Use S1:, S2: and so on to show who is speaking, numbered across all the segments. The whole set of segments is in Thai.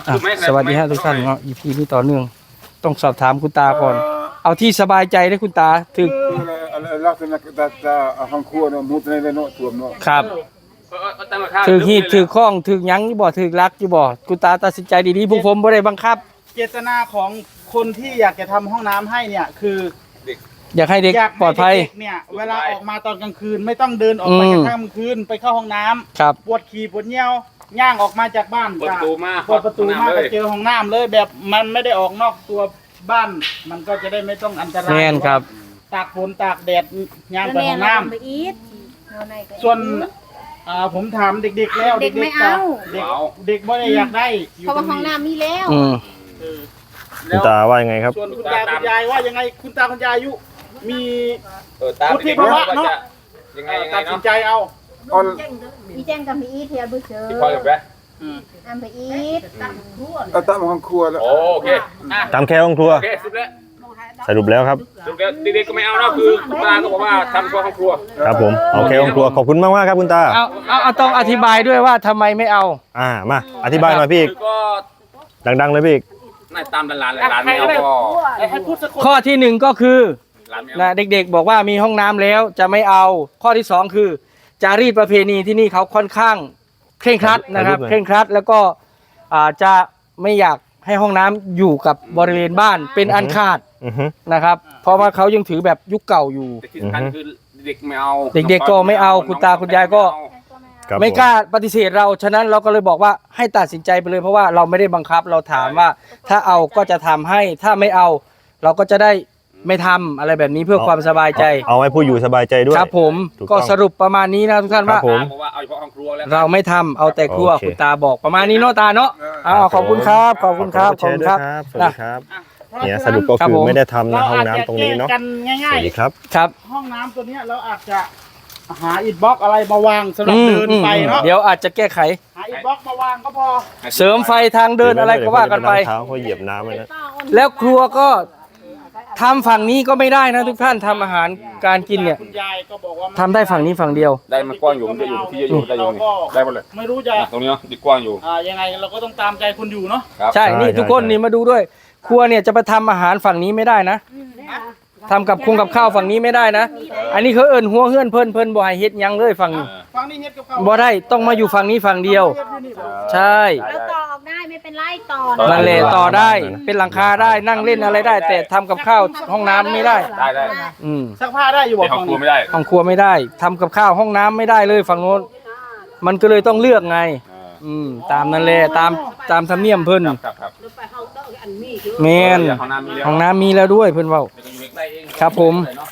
S1: สวัสดีฮะทุกท่านเนาะ EP นี้ต่อเนื่องต้องสอบถามคุณตาก่อนเอาที่สบายใจได้คุณตาถึง
S2: ลักษณะจะห้องครัวเนาะมุดในเนาะท่วมเนาะ
S1: ครับถึงหีดถึงข้องถึงยั้งอยู่บ่ถึงรักอยู่บ่คุณตาตัดสินใจดีๆพวกผมบ่ได้บังคับ
S3: เจตนาของคนที่อยากจะทำห้องน้ำให้เนี่ยคือ
S1: อยากให้เด็กปลอดภัย
S3: เนี่ยเวลาออกมาตอนกลางคืนไม่ต้องเดินออกไปกลางคืนไปเข้าห้องน้ำ
S1: ครับ
S3: ปวดขี่ปวดเยี่ยวย่างออกมาจากบ้าน
S4: เปิดประตูมา
S3: ก็เจอห้องน้ำเลยแบบมันไม่ได้ออกนอกตัวบ้านมันก็จะได้ไม่ต้องอันตราย
S1: แน่นครับ
S3: ตากฝนตากแดดย่างไปห้องน้ำส่วนผมถามเด็กๆแล้ว
S5: เด็กไม่เอา
S3: เด็กไม่ได้อยากได้
S5: เพราะว่าห้องน้ำมีแล้ว
S6: คุณตาว่ายังไงครับ
S3: ส่วนคุณตาคุณยายว่ายังไงคุณตาคุณยายอายุมี
S4: วุฒิภาวะเนาะ
S3: ตัดสินใจเอา
S5: มีแจ้งกับมีอีเทียบุเชอร์
S4: พอกับแก
S5: อันไปอีท
S2: ตั้งห้องครัวแล้ว
S4: โอเค
S6: ตามแค่ห้องครัวสรุปแล้วครับ
S4: เด็กๆก็ไม่เอานะคือคุณตาก็บอกว่าทำห้องครัว
S6: ครับผมโอเคห้องครัวขอบคุณมากๆครับคุณตา
S1: เอาต้องอธิบายด้วยว่าทำไมไม่เอา
S6: มาอธิบายหน่อยพี่ดังๆเลยพี่
S4: น่าตามหลานไม่เอาก็
S1: ข้อที่หนึ่งก็คือนะเด็กๆบอกว่ามีห้องน้ำแล้วจะไม่เอาข้อที่สองคือจารีตประเพณีที่นี่เขาค่อนข้างเคร่งครัดนะครับเคร่งครัดแล้วก็จะไม่อยากให้ห้องน้ำอยู่กับบริเวณบ้านเป็นอันขาดนะครับเพราะว่าเขายังถือแบบยุคเก่าอยู่
S4: ที่สำคัญคือเด็กไม่เอา
S1: เด็กๆก็ไม่เอาคุณตาคุณยายก็ไม่กล้าปฏิเสธเราฉะนั้นเราก็เลยบอกว่าให้ตัดสินใจไปเลยเพราะว่าเราไม่ได้บังคับเราถามว่าถ้าเอาก็จะทำให้ถ้าไม่เอาเราก็จะได้ไม่ทำอะไรแบบนี้เพื่อความสบายใจ
S6: เอาให้ผู้อยู่สบายใจด้วย
S1: ครับผมก็สรุปประมาณนี้นะทุกท่านว่าเราไม่ทำเอาแต่ครัวคุณตาบอกประมาณนี้เนาะตาเนาะขอบคุณครับขอบคุณครับ
S6: ขอบคุณครับสวัสดีครับเนี่ยสรุปก็คือไม่ได้ทำนะห้องน้ำตรงนี้เนาะ
S3: สวั
S6: สดีครับ
S1: ครับ
S3: ห้องน้ำตัวนี้เราอาจจะหาอิฐบล็อกอะไรมาวางสำหรับเดินไปเนาะ
S1: เดี๋ยวอาจจะแก้ไข
S3: หาอิฐบล็อกมาวางก็พอ
S1: เสริมไฟทางเดินอะไรก็ว่ากันไป
S6: เท้าเขาเหยียบน้ำเลยนะ
S1: แล้วครัวก็ทำฝั่งนี้ก็ไม่ได้นะทุกท่านทำอาหารการกินเนี่ยทำได้ฝั่งนี้ฝั่งเดียว
S4: ได้มันกว้างอยู่มันจะอยู่ที่อยู่ได้อยู่ได้หมดเลย
S3: ไม่รู้จะ
S4: ตรงนี้เนาะดีกว้างอยู่
S3: ยังไงเราก็ต้องตามใจคนอยู่เนาะ
S1: ใช่นี่ทุกคนนี่มาดูด้วยครัวเนี่ยจะไปทำอาหารฝั่งนี้ไม่ได้นะทำกับข้าวฝั่งนี้ไม่ได้นะอันนี้เขาเอิ้นหัวเฮือนเพิ่นบ่ให้เฮ็ดยังเลยฝั่งนี้บ่ได้ต้องมาอยู่ฝั่งนี้ฝั่งเดียวใช่
S5: แล้วต่อออกได้ไม่เป็นไรต่อ
S1: นั่นแหละต่อได้เป็นหลังคาได้นั่งเล่นอะไรได้แต่ทำกับข้าวห้องน้ำไม่ได้
S3: ซักผ้าได้อยู่
S4: ห้องครัวไม่ได้
S1: ห้องครัวไม่ได้ทำกับข้าวห้องน้ำไม่ได้เลยฝั่งโน้นมันก็เลยต้องเลือกไงตามนั่นแหละตามธรรมเนียมเพิ่นแม่นห้องน้ำมีแล้วด้วยเพิ่นเว้าครับผม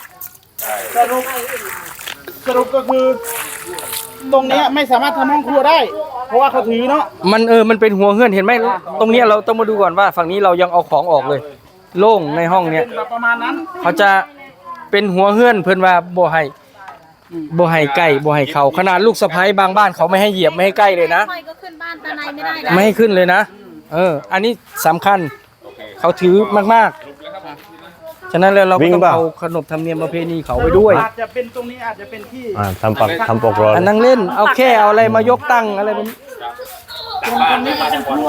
S3: สรุปก็คือตรงนี้ไม่สามารถทำห้องครัวได้เพราะว่าเขาถือเนาะ
S1: มันเป็นหัวเฮือนเห็นไหมตรงนี้เราต้องมาดูก่อนว่าฝั่งนี้เรายังเอาของออกเลยโล่งในห้องเนี้ย
S3: ประมาณนั้น
S1: เขาจะเป็นหัวเฮือนเพิ่นว่าบ่ให้ใกล้บ่ให้เข้าขนาดลูกสะใภ้บางบ้านเขาไม่ให้เหยียบไม่ให้ใกล้เลยนะ
S5: ก็ขึ้นบ้านตาในไม่ได้นะ
S1: ไม่ให้ขึ้นเลยนะอันนี้สำคัญเขาถือมากๆฉะนั้นแล้วเราต้องเอาขนบธรรมเนียมประเพณีเขาไปด้วย
S3: อาจจะเป็นตรงนี้อาจจะเป็นที่
S6: ทำปกรอน
S1: นั่งเล่นเอาแค่เอาอะไรมายกตั้งอะไรแบบนี้
S3: ตรงนี้ก็เป็นครัว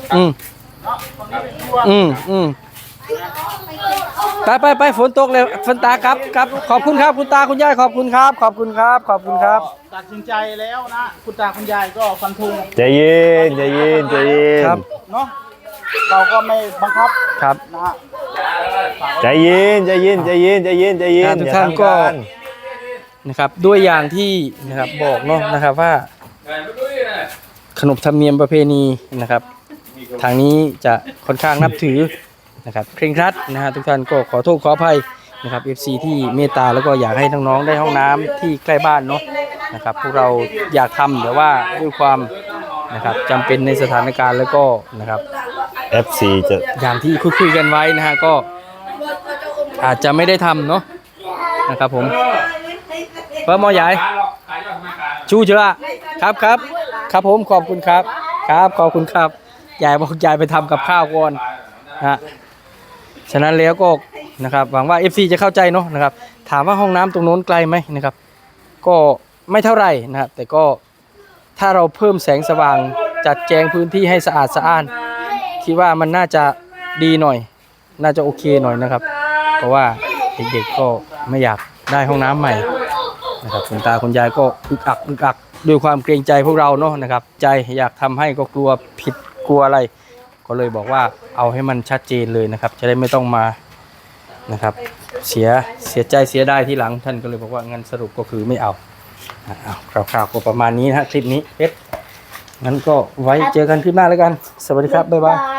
S1: ไปฝนตกเลยฝนตาครับขอบคุณครับคุณตาคุณยายขอบคุณครับขอบคุณครับ
S3: ตัดสินใจแล้วนะคุณตาคุณยายก็ฟันธง
S6: ใจเย็น
S1: ครับ
S3: เนาะเราก็ไม่บังคับ
S1: ครับ
S3: นะฮะ
S6: ใจเย็น
S1: ทุกท่านก็นะครับด้วยอย่างที่นะครับบอกเนาะนะครับว่าขนบธรรมเนียมประเพณีนะครับทางนี้จะค่อนข้างนับถือนะครับเคร่งครัดนะฮะทุกท่านก็ขอโทษขออภัยนะครับ FC ที่เมตตาแล้วก็อยากให้น้องๆได้ห้องน้ำที่ใกล้บ้านเนาะนะครับพวกเราอยากทำแต่ว่าด้วยความนะครับจำเป็นในสถานการณ์แล้วก็นะครับ
S6: FC จะ
S1: อย่างที่คุยกันไว้นะฮะก็อาจจะไม่ได้ทำเนาะนะครับผมเพิ่มมอใหญ่ชูเชื่อครับผมขอบคุณครับขอบคุณครับยายบอกยายไปทำกับข้าวก่อนฉะนั้นแล้วก็นะครับหวังว่า FC จะเข้าใจเนาะนะครับถามว่าห้องน้ำตรงโน้นไกลไหมนะครับก็ไม่เท่าไหร่นะครับแต่ก็ถ้าเราเพิ่มแสงสว่างจัดแจงพื้นที่ให้สะอาดสะอ้านคิดว่ามันน่าจะดีหน่อย น่าจะโอเคหน่อยนะครับ เพราะว่าเด็กๆก็ไม่อยากได้ห้องน้ำใหม่นะครับคุณตาคุณยายก็อึกอักด้วยความเกรงใจพวกเราเนาะนะครับใจอยากทำให้ก็กลัวผิดกลัวอะไร ก็เลยบอกว่าเอาให้มันชัดเจนเลยนะครับ จะได้ไม่ต้องมานะครับเสียใจเสียได้ที่หลังท่านก็เลยบอกว่างั้นสรุปก็คือไม่เอาคร่าวๆก็ประมาณนี้นะฮะคลิปนี้งั้นก็ไว้เจอกันคลิปหน้าแล้วกันสวัสดีครับบ๊ายบาย